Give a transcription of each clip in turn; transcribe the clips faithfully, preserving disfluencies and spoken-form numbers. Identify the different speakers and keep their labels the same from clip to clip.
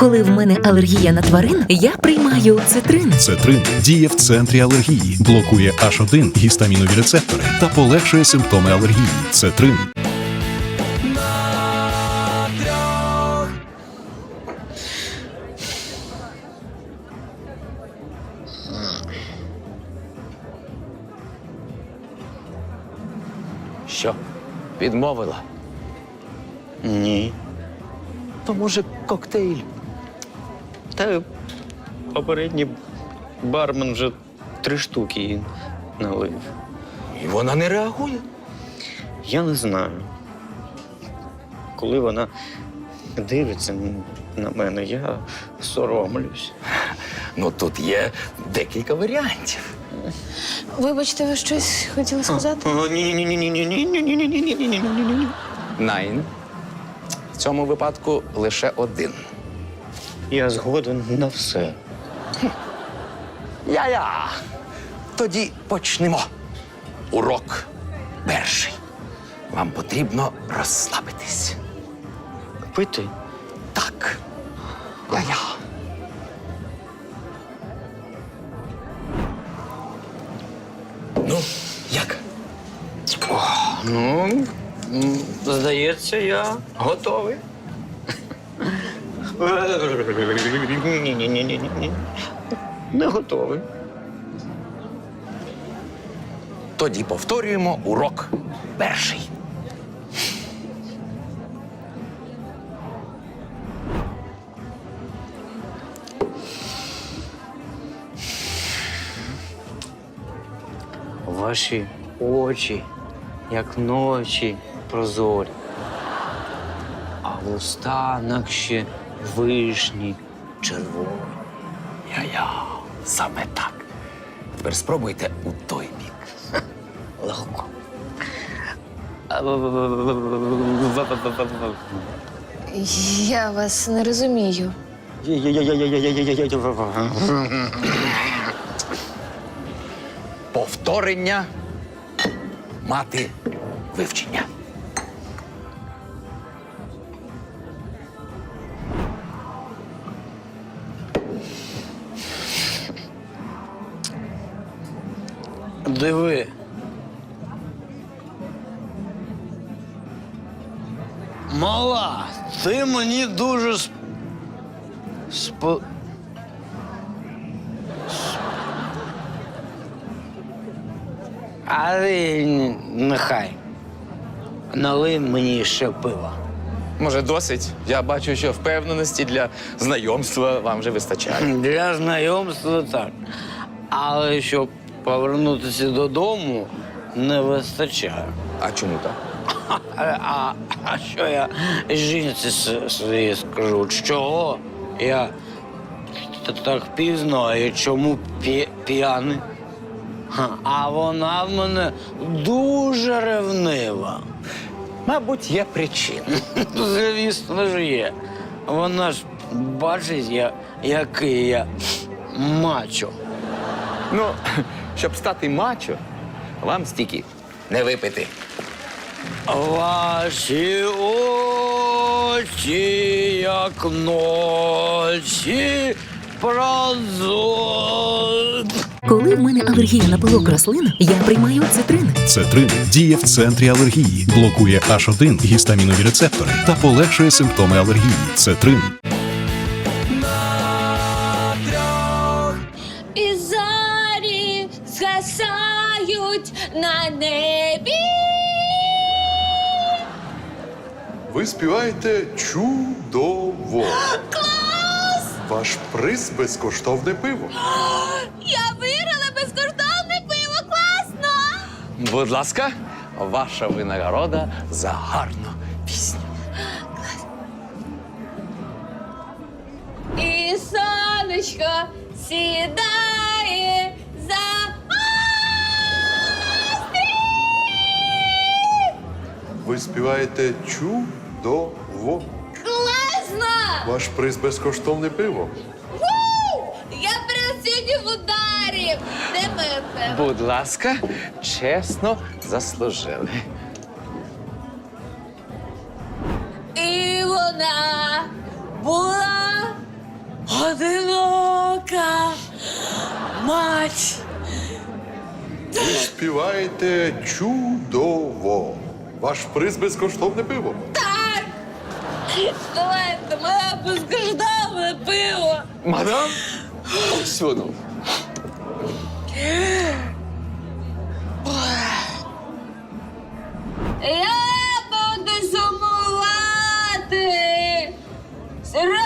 Speaker 1: Коли в мене алергія на тварин, я приймаю цитрин.
Speaker 2: Цетрин діє в центрі алергії, блокує аш один гістамінові рецептори та полегшує симптоми алергії. Цетрин.
Speaker 3: Що, відмовила?
Speaker 4: Ні.
Speaker 3: То, може, коктейль?
Speaker 4: Та попередній бармен вже три штуки їй налив.
Speaker 3: І вона не реагує.
Speaker 4: Я не знаю. Коли вона дивиться на мене, я соромлюсь.
Speaker 3: Ну, тут є декілька варіантів.
Speaker 5: Вибачте, ви щось хотіли сказати?
Speaker 4: Ні-ні-ні-ні-ні-ні-ні-ні-ні-ні-ні-ні-ні-ні-ні-ні.
Speaker 3: Найн. В цьому випадку лише один.
Speaker 4: Я згоден на все.
Speaker 3: Я-я. Тоді почнемо. Урок перший. Вам потрібно розслабитись.
Speaker 4: Пити?
Speaker 3: Так. Я-я. Ну, як?
Speaker 4: Ну, м, здається, я готовий. Ні-ні-ні-ні-ні. Не готовий.
Speaker 3: Тоді повторюємо урок перший.
Speaker 4: Ваші очі, як ночі прозорі, а вуста наче вишні червоні.
Speaker 3: Я-я. Саме так. Тепер спробуйте у той бік.
Speaker 4: Легко.
Speaker 5: Я вас не розумію.
Speaker 3: Повторення мати вивчення.
Speaker 4: Диви. Мала, ти мені дуже сп... спо... Але нехай. Налий мені ще пива.
Speaker 3: Може, досить? Я бачу, що впевненості для знайомства вам вже вистачає.
Speaker 4: Для знайомства так. Але щоб повернутися додому, не вистачає.
Speaker 3: А чому так?
Speaker 4: А, а, а що я жінці с- своїй скажу? Чого я т- так пізно і чому п'я- п'яний? Ха, А вона в мене дуже ревнива.
Speaker 3: Мабуть, є причина.
Speaker 4: Звісно ж є. Вона ж бачить, я, який я мачо.
Speaker 3: Ну, щоб стати мачо, вам стільки не випити.
Speaker 4: Ваші очі, як ночі прозорі.
Speaker 1: Коли в мене алергія на пилок рослин, я приймаю цитрин.
Speaker 2: Цетрин діє в центрі алергії, блокує аш один гістамінові рецептори та полегшує симптоми алергії. Цетрин.
Speaker 5: І зорі згасають на небі.
Speaker 6: Ви співаєте чудово. Клас! Ваш приз – безкоштовне пиво.
Speaker 5: Я виграла безкоштовне пиво, класно!
Speaker 3: Будь ласка, ваша винагорода за гарну пісню.
Speaker 5: І сонечко сідає за
Speaker 6: Ви співаєте чудово.
Speaker 5: класно!
Speaker 6: Ваш приз – безкоштовне пиво.
Speaker 5: Я прям сьогодні в ударі. Де моє пиво?
Speaker 3: Будь ласка, чесно заслужили.
Speaker 5: І вона була
Speaker 1: Мать!
Speaker 6: Ви співаєте чудово. Ваш приз безкоштовне пиво.
Speaker 5: Так! Давайте, моя безкоштовне пиво!
Speaker 3: Мадам? Сюди.
Speaker 5: Я буду сумувати! Сережа!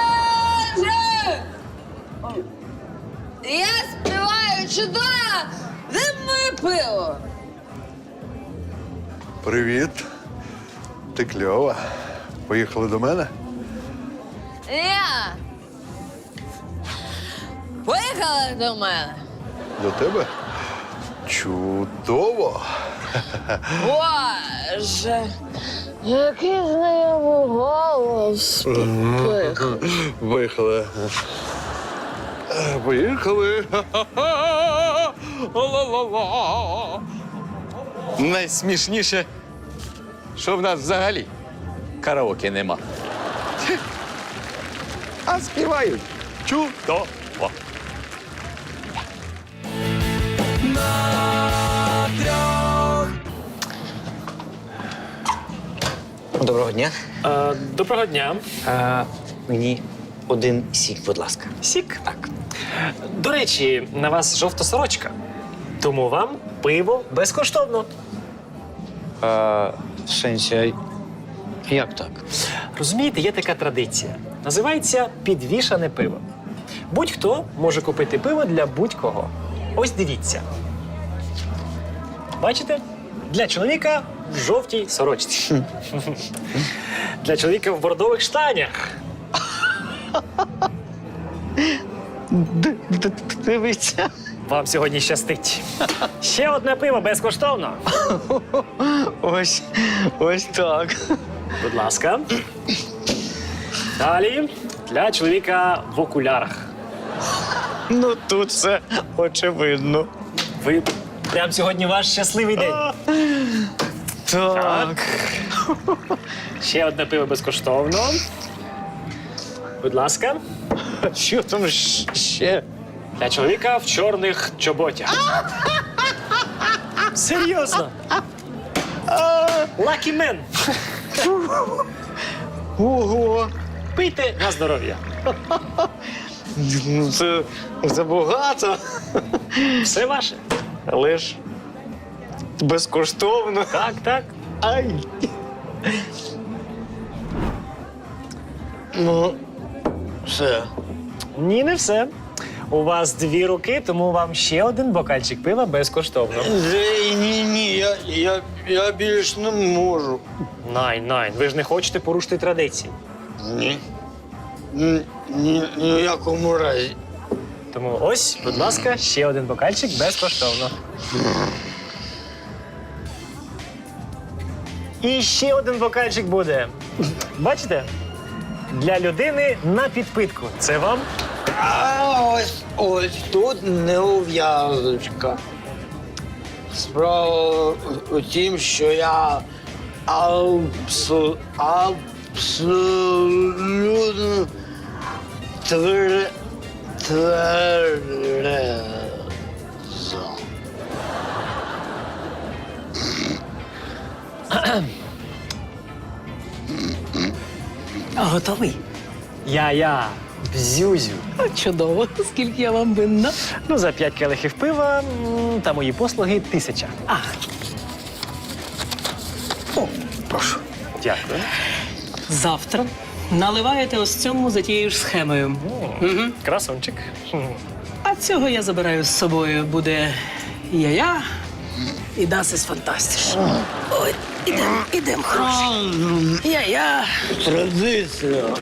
Speaker 5: Ой. Я співаю чудово! Де моє пиво?
Speaker 6: Привіт. Ти кльова. Поїхали до мене?
Speaker 5: Я! Поїхали до мене!
Speaker 6: До тебе? Чудово.
Speaker 5: Боже! Який знайомий голос!
Speaker 6: Поїхали. Поїхали.
Speaker 3: Ла-ла-ла. Найсмішніше, що в нас взагалі караоке нема. А співають чудово.
Speaker 4: Доброго дня.
Speaker 7: Е, доброго дня.
Speaker 4: А, мені один сік, будь ласка.
Speaker 7: Сік? Так. До речі, на вас жовта сорочка. Тому вам пиво безкоштовно.
Speaker 4: А, в сенсі, а як так?
Speaker 7: Розумієте, є така традиція. Називається підвішане пиво. Будь-хто може купити пиво для будь-кого. Ось дивіться. Бачите? Для чоловіка в жовтій сорочці. Для чоловіка в бордових штанях.
Speaker 4: Дивіться.
Speaker 7: Вам сьогодні щастить. Ще одне пиво безкоштовно.
Speaker 4: Ось, ось так.
Speaker 7: Будь ласка. Далі для чоловіка в окулярах.
Speaker 4: Ну тут все очевидно.
Speaker 7: Ви прям сьогодні ваш щасливий день.
Speaker 4: Так.
Speaker 7: Ще одне пиво безкоштовно. Будь ласка.
Speaker 4: Що там щ- ще?
Speaker 7: Для чоловіка в чорних чоботях. Серйозно. Lucky man.
Speaker 4: Ого!
Speaker 7: Пийте на здоров'я.
Speaker 4: Ну це забагато.
Speaker 7: Все ваше.
Speaker 4: Але ж безкоштовно.
Speaker 7: Так, так.
Speaker 4: Ай. Ну, все.
Speaker 7: Ні, не все. У вас дві руки, тому вам ще один бокальчик пива безкоштовно.
Speaker 4: Ей, ні, ні, я, я, я більш не можу.
Speaker 7: Найн, найн. Ви ж не хочете порушити традиції.
Speaker 4: Ні. Ні, ні, ні в якому разі.
Speaker 7: Тому ось, будь ласка, ще один бокальчик безкоштовно. І ще один бокальчик буде. Бачите? Для людини на підпитку. Це вам?
Speaker 4: А ось, ось тут неув'язочка. Справа у тім, що я абсу, абсолютно твер, тверезо.
Speaker 1: Готовий?
Speaker 7: Я-я, бзюзю.
Speaker 1: Чудово. Скільки я вам винна?
Speaker 7: Ну, за п'ять келихів пива м, та мої послуги тисяча.
Speaker 1: А. О, прошу.
Speaker 7: Дякую.
Speaker 1: Завтра наливаєте ось цьому за тією ж схемою.
Speaker 7: Угу. Красунчик.
Speaker 1: А цього я забираю з собою. Буде я-я і Дасис Фантастиш. Ой, ідем, ідем, хороший. Я-я.
Speaker 4: Традиція.